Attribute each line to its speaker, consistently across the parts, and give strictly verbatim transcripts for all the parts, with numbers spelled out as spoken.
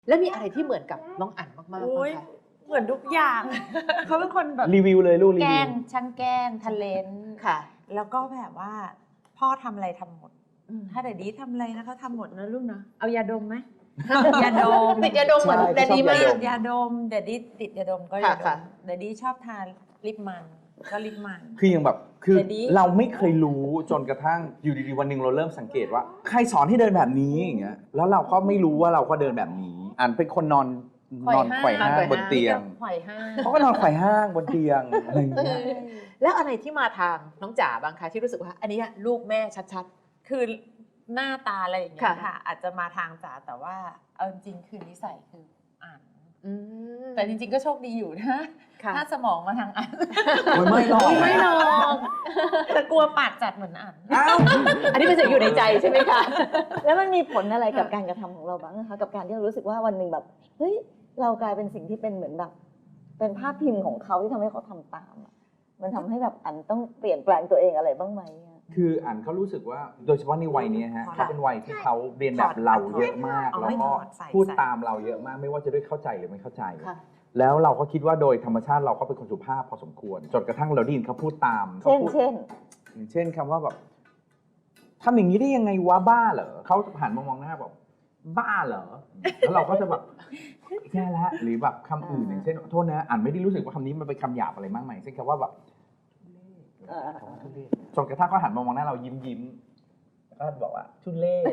Speaker 1: แล้วมีอะไรที่เหมือนกับน้องอั๋นมากๆบ้างคะ
Speaker 2: เหมือนทุกอย่าง เขาเป็นคนแบบ
Speaker 3: รีวิวเลยลูกรี
Speaker 2: แก
Speaker 3: วิ
Speaker 2: ล้
Speaker 3: ว
Speaker 2: งช่างแกล้งทะเลน
Speaker 1: ค่ะ
Speaker 2: แล้วก็แบบว่าพ่อทำอะไรทำหมด ถ้าเดดดี้ทำอะไรนะเขาทำหมดนะลูกเนาะเอายาดมไหม ยาดม
Speaker 1: ติดยาดมเหมือน
Speaker 3: ใช่
Speaker 1: แดดดี้
Speaker 3: ชอบ
Speaker 1: มาย
Speaker 3: าก ดม
Speaker 2: ยาดมเดดดี้ติดยาดมก็
Speaker 1: ค่ะ
Speaker 2: ยาด
Speaker 1: ค่ะ
Speaker 2: มเดดดี้ชอบทานลิปมันก็ลิปมัน
Speaker 3: คืออย่างแบบคือ
Speaker 2: แต่ดี
Speaker 3: เราไม่เคยรู้จนกระทั่งอยู่ดีๆวันหนึ่งเราเริ่มสังเกตว่า ใครสอนให้เดินแบบนี้อย่างเงี้ยแล้วเราก็ไม่รู้ว่าเราก็เดินแบบนี้อ่านเป็นคนนอนนอนไขว่ห้างบนเตียง
Speaker 2: ไขว่ห้าง
Speaker 3: เขาก็นอนไขว่ห้างบนเตียงอะไรอย่างเงี้ย
Speaker 1: แล้วอะไรที่มาทางน้องจ๋าบ้างคะที่รู้สึกว่าอันนี้ลูกแม่ชัด
Speaker 2: คือหน้าตาอะไรอย่างเงี้ย
Speaker 1: ค่ะ
Speaker 2: ค่ะ อาจจะมาทางจ๋าแต่ว่าเอาจริงๆคือนิสัยคืออ่าน
Speaker 1: ๆอืม
Speaker 2: แต่จริงๆก็โชคดีอยู่นะ
Speaker 1: ค่ะ
Speaker 2: ถ้าสมองมาทางอ่าน
Speaker 3: โอ้ยไม่หรอก
Speaker 2: ไม่หรอกแต่กลัวปากจัดเหมือนอ่าน
Speaker 3: อ้าว
Speaker 1: อันนี้เป็นสิ่งอยู่ในใจใช่ไหมคะ
Speaker 4: แล้วมันมีผลอะไรกับการกระทำของเราบ้างนะคะกับการที่เรารู้สึกว่าวันหนึ่งแบบเฮ้ยเรากลายเป็นสิ่งที่เป็นเหมือนแบบเป็นภาพพิมพ์ของเขาที่ทำให้เขาทำตามอะมันทำให้แบบอันต้องเปลี่ยนแปลงตัวเองอะไรบ้างไหมอะ
Speaker 3: คืออ่านเขารู้สึกว่าโดยเฉพาะในวัยนี้ฮะ
Speaker 2: ค่ะ
Speaker 3: เขาเป็นวัยที่เขาเรียนแบบเราเยอะมาก
Speaker 2: เอา
Speaker 3: แล้ว
Speaker 2: ไม่
Speaker 3: ก็
Speaker 2: ถอดใส่
Speaker 3: พูด
Speaker 2: ใส่
Speaker 3: ตามเราเยอะมาก ไม่ว่าจะด้วยเข้าใจหรือไม่เข้าใจ
Speaker 1: ค่ะ
Speaker 3: แล้วเราก็คิดว่าโดยธรรมชาติเราก็เป็นคนสุภาพพอสมควร จนกระทั่งเราได้ยินเขาพูดตามเขา
Speaker 4: เช่น
Speaker 3: พูด
Speaker 4: เช่น
Speaker 3: อย่างเช่นคำว่าแบบทำอย่างนี้ได้ยังไงวะบ้าเหรอเขาหันมามองหน้าแบบบ้าเหรอแล้วเราก็จะแบบแย่แล้วหรือแบบคำอื่นอย่างเช่นโทษนะอ่านไม่ได้รู้สึกว่าคำนี้มันเป็นคำหยาบอะไรมากมายเช่นคำว่าแบบ
Speaker 4: เออ
Speaker 3: จนกระทั่งเขาหันมามองหน้าเรายิ้มยิ้มแล้วก็บอกว่าทุเล่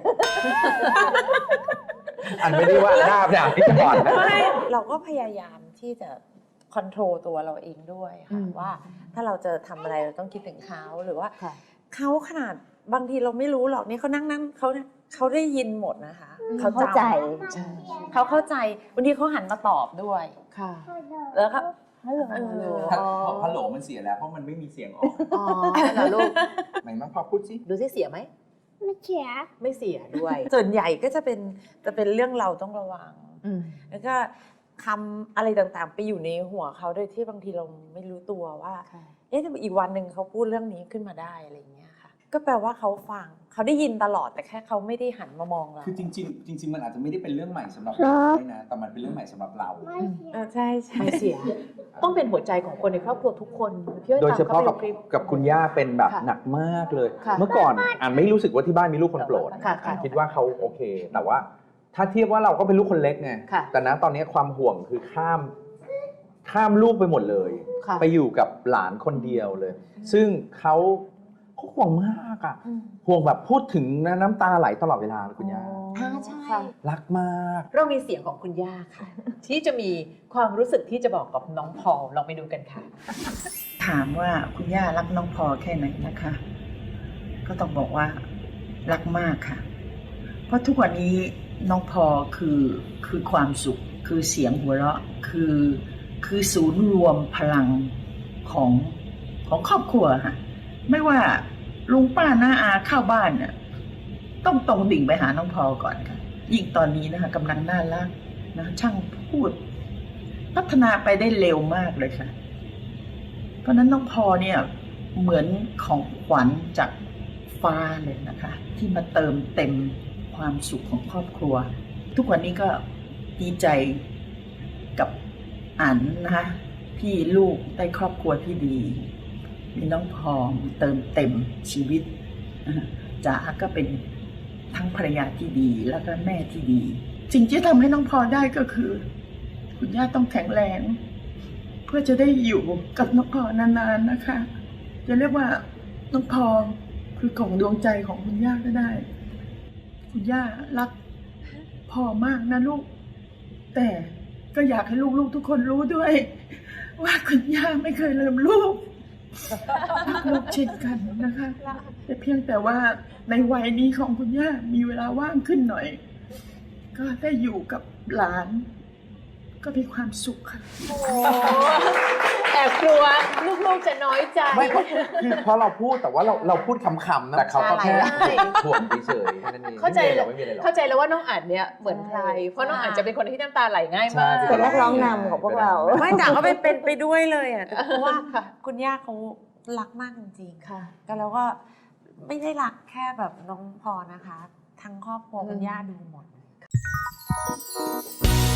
Speaker 3: อันไม่ได้ว่าหน้าด่าที่จะก่อนนะ
Speaker 2: ไม่เราก็พยายามที่จะคอนโทรลตัวเราเองด้วย
Speaker 1: อื
Speaker 2: ค่ะ
Speaker 1: ม
Speaker 2: ว่าถ้าเราจะทำอะไรเราต้องคิดถึงเขาหรือว่า
Speaker 1: ค่ะ
Speaker 2: เขาขนาดบางทีเราไม่รู้หรอกนี่เขานั่งนั่งเขาเขาได้ยินหมดนะคะ
Speaker 4: เขา
Speaker 2: จำ
Speaker 4: เข้าใจ
Speaker 1: ใช่
Speaker 2: เขาเข้าใจบางทีเขาหันมาตอบด้วย
Speaker 1: ค่ะ
Speaker 2: แล้วก็
Speaker 4: ฮัลโหล
Speaker 2: เออ
Speaker 3: บอกฮัลโหลมันเสียแล้วเพราะมันไม่มีเสียงออก
Speaker 1: อ๋อเหรอลูก
Speaker 3: ไหนมาพอพูดสิ
Speaker 1: ดูสิเสียไหม
Speaker 5: ไม่เขีย
Speaker 1: ไม่เสียด้วย
Speaker 2: ส่วนใหญ่ก็จะเป็นจะเป็นเรื่องเราต้องระวัง
Speaker 1: อืม
Speaker 2: แล้วก็คำอะไรต่างๆ ไปอยู่ในหัวเขาโดยที่บางทีเราไม่รู้ตัวว่า
Speaker 1: ค่ะ
Speaker 2: เอ๊ะทำไมอีกวันหนึ่งเขาพูดเรื่องนี้ขึ้นมาได้อะไรอย่างเงี้ยค่ะ ก็แปลว่าเขาฟังเขาได้ยินตลอดแต่แค่เขาไม่ได้หันมามองเรา
Speaker 3: คือจริงๆจริง ๆ มันอาจจะไม่ได้เป็นเรื่องใหม่สำหรับเราด้วยนะแต่มันเป็นเรื่องใหม่สำหรับเรา
Speaker 5: ไม่เขีย
Speaker 2: เออใช่ใช่
Speaker 1: ไม่เสีย ต้องเป็นหัวใจของคนในครอบครัวทุกคนพี่อ้
Speaker 3: โดยเฉพาะ
Speaker 1: ตม
Speaker 3: กับ
Speaker 1: ขไปดูคลิป
Speaker 3: กับคุณย่าเป็นแบบ
Speaker 1: ค่ะ
Speaker 3: หนักมากเลย
Speaker 1: ค่ะ
Speaker 3: เมื่อก่อนอ่านไม่รู้สึกว่าที่บ้านมีลูกคนโปรด
Speaker 1: ค่ะค่ะ
Speaker 3: คิดว่าเขาโอเค แต่ว่าถ้าเทียบว่าเราก็เป็นลูกคนเล็กไง
Speaker 1: ค่ะ
Speaker 3: แต่นะตอนนี้ความห่วงคือข้ามข้ามลูกไปหมดเลย
Speaker 1: ค่ะ
Speaker 3: ไปอยู่กับหลานคนเดียวเลย ซึ่งเขาเขาห่วงมากอะห่วงแบบพูดถึงนะน้ำตาไหลตลอดเวลาเลยคุณย่า
Speaker 1: อ่าใช่
Speaker 4: ค่ะ
Speaker 3: รักมาก
Speaker 1: เรามีเสียงของคุณย่าค่ะ ที่จะมีความรู้สึกที่จะบอกกับน้องพอลลองไปดูกันค่ะ
Speaker 6: ถามว่าคุณย่ารักน้องพอแค่ไหนนะคะ ก็ต้องบอกว่ารักมากค่ะ เพราะทุกวันนี้น้องพอคือคือความสุข คือเสียงหัวเราะคือคือศูนย์รวมพลังของของครอบครัวค่ะไม่ว่าลุงป้าน้าอาเข้าบ้านเนี่ยต้องตรงดิ่งไปหาน้องพอก่อนค่ะยิ่งตอนนี้นะคะกำลังน่ารักนะช่างพูด พัฒนาไปได้เร็วมากเลยค่ะ เพราะฉะนั้นน้องพอเนี่ยเหมือนของขวัญจากฟ้าเลยนะคะ ที่มาเติมเต็มความสุขของครอบครัว ทุกวันนี้ก็ดีใจกับอันนะคะที่ลูกได้ครอบครัวที่ดี มีน้องพอมาเติมเต็มชีวิตนะคะจ๋าก็เป็นทั้งภรรยาที่ดีแล้วก็แม่ที่ดี สิ่งที่ทำให้น้องพอได้ก็คือ คุณย่าต้องแข็งแรง เพื่อจะได้อยู่กับน้องพอนานๆนะคะ จะเรียกว่าน้องพอคือกล่องดวงใจของคุณย่าก็ได้ คุณย่ารักพ่อมากนะลูก แต่ก็อยากให้ลูกๆทุกคนรู้ด้วย ว่าคุณย่าไม่เคยลืมลูกรักลูกเช่นกันนะคะ แต่เพียงแต่ว่าในวัยนี้ของคุณย่ามีเวลาว่างขึ้นหน่อย ก็ได้อยู่กับหลาน ก็มีความสุขค่ะ
Speaker 1: โอ้แอบกลัวลูกๆจะน้อยใจ
Speaker 3: ไม่เพราะคือเพราะเราพูดแต่ว่าเราเราพูดคำๆนะแต่เขาก็แค่
Speaker 1: ใช่
Speaker 3: ห่วงเฉยๆแค่นั้นเอง
Speaker 1: เข้าใจ
Speaker 3: ไม่มีอะไรหรอก
Speaker 1: เข้าใจแล้วว่าน้องอั๋นเนี่ยเหมือนใคร เพราะน้องอั๋นจะเป็นคนที่น้ำตาไหลง่ายมาก
Speaker 3: ใช่
Speaker 4: เป็นนักร้องนำของพวกเรา
Speaker 2: ไม่แต่ก็เป็นเป็นไปด้วยเลยอ่ะเพราะว่า
Speaker 1: ค่ะ
Speaker 2: คุณย่าเขารักมากจริงๆ
Speaker 1: ค่ะ
Speaker 2: ก็แล้วก็ไม่ได้รักแค่แบบน้องพอนะคะ ทั้งครอบครัวคุณย่าดูหมด
Speaker 3: ครับ